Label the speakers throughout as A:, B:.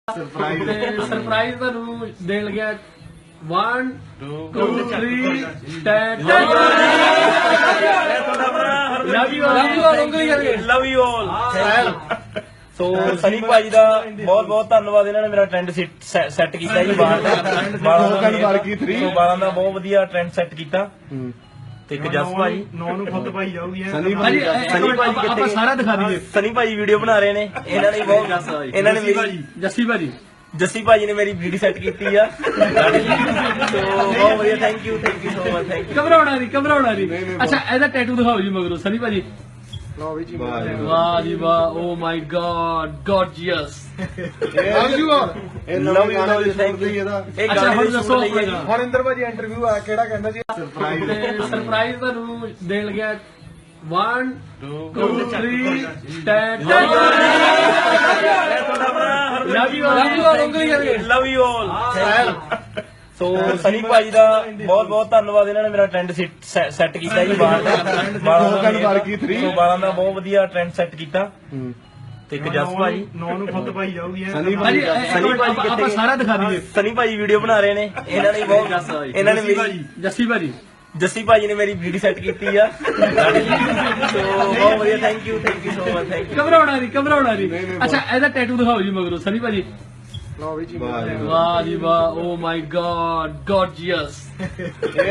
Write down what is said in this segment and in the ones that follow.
A: Surprise ਤੁਹਾਨੂੰ ਦੇਣ ਲੱਗਿਆ 1 2 3 10
B: ਲਵ ਯੂ ਆਲ। ਸੋ ਸਨੀ ਭਾਜੀ ਦਾ ਬਹੁਤ ਬਹੁਤ ਧੰਨਵਾਦ, ਇਹਨਾਂ ਨੇ ਮੇਰਾ ਟ੍ਰੈਂਡ ਸੈੱਟ ਕੀਤਾ ਜੀ ਬਾਹਰ ਦਾ 12 ਦਾ ਬਹੁਤ ਵਧੀਆ ਟ੍ਰੈਂਡ ਸੈੱਟ ਕੀਤਾ। ਤੇ ਇੱਕ ਜਸ ਭਾਜੀ 9 ਨੂੰ ਖੁਦ ਭਾਈ ਜਾਊਗੀ ਸਨੀ ਭਾਜੀ
A: ਆਪਾਂ ਸਾਰਾ ਦਿਖਾ ਦਈਏ।
B: ਸਨੀ ਭਾਜੀ ਵੀਡੀਓ ਬਣਾ ਰਹੇ ਨੇ, ਇਹਨਾਂ ਨੇ ਬਹੁਤ ਇਹਨਾਂ ਨੇ ਮੇਰੀ ਜੱਸੀ ਭਾਜੀ ਨੇ ਮੇਰੀ ਵੀਡੀਓ ਸੈੱਟ ਕੀਤੀ ਆ। ਸੋ ਬਹੁਤ ਵਧੀਆ, thank you so much, thank you.
A: ਘਬਰਾਉਣਾ ਨਹੀਂ। ਅੱਛਾ ਇਹਦਾ ਟੈਟੂ ਦਿਖਾਓ ਜੀ ਮਗਰੋਂ ਸਨੀ ਭਾਜੀ। ਵਾਹ ਜੀ ਵਾਹ, oh my god, gorgeous.
B: Love you thank you.
A: ਅੱਛਾ ਹੁਣ ਦੱਸੋ
C: ਹਰਿੰਦਰ ਭਾਜੀ ਇੰਟਰਵਿਊ ਆ ਕਿਹੜਾ ਕਹਿੰਦਾ ਜੀ
A: ਸਰਪ੍ਰਾਈਜ਼ ਤੁਹਾਨੂੰ ਦੇਣ ਲੱਗਿਆ 1 2 3 10
B: ਲਵ ਯੂ ਆਲ। ਸੋ ਸਨੀ ਭਾਜੀ ਦਾ ਬਹੁਤ ਬਹੁਤ ਧੰਨਵਾਦ, ਇਹਨਾਂ ਨੇ ਮੇਰਾ ਟ੍ਰੈਂਡ ਸੈੱਟ ਕੀਤਾ ਜੀ ਬਾਹਰ ਦਾ 12 ਦਾ ਬਹੁਤ ਵਧੀਆ ਟ੍ਰੈਂਡ ਸੈੱਟ ਕੀਤਾ। ਤੇ ਇੱਕ ਜਸ ਭਾਜੀ 9 ਨੂੰ ਖੁਦ ਭਾਈ ਜਾਊਗੀ ਸਨੀ ਭਾਜੀ
A: ਆਪਾਂ ਸਾਰਾ ਦਿਖਾ ਦਈਏ।
B: ਸਨੀ ਭਾਜੀ ਵੀਡੀਓ ਬਣਾ ਰਹੇ ਨੇ, ਇਹਨਾਂ ਨੇ ਬਹੁਤ ਇਹਨਾਂ ਨੇ ਮੇਰੀ ਜੱਸੀ ਭਾਜੀ ਨੇ ਮੇਰੀ ਵੀਡੀਓ ਸੈੱਟ ਕੀਤੀ ਆ। ਸੋ ਬਹੁਤ ਵਧੀਆ, thank you so much, thank you.
A: ਘਬਰਾਉਣਾ ਨਹੀਂ। ਅੱਛਾ ਇਹਦਾ ਟੈਟੂ ਦਿਖਾਓ ਜੀ ਮਗਰੋਂ ਸਨੀ ਭਾਜੀ। ਵਾਹ ਜੀ ਵਾਹ, oh my god, gorgeous.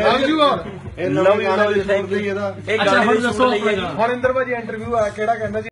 B: Love you thank you.
A: ਅੱਛਾ ਹੁਣ ਦੱਸੋ
C: ਹਰਿੰਦਰ ਭਾਜੀ ਇੰਟਰਵਿਊ ਆ ਕਿਹੜਾ ਕਹਿੰਦਾ ਜੀ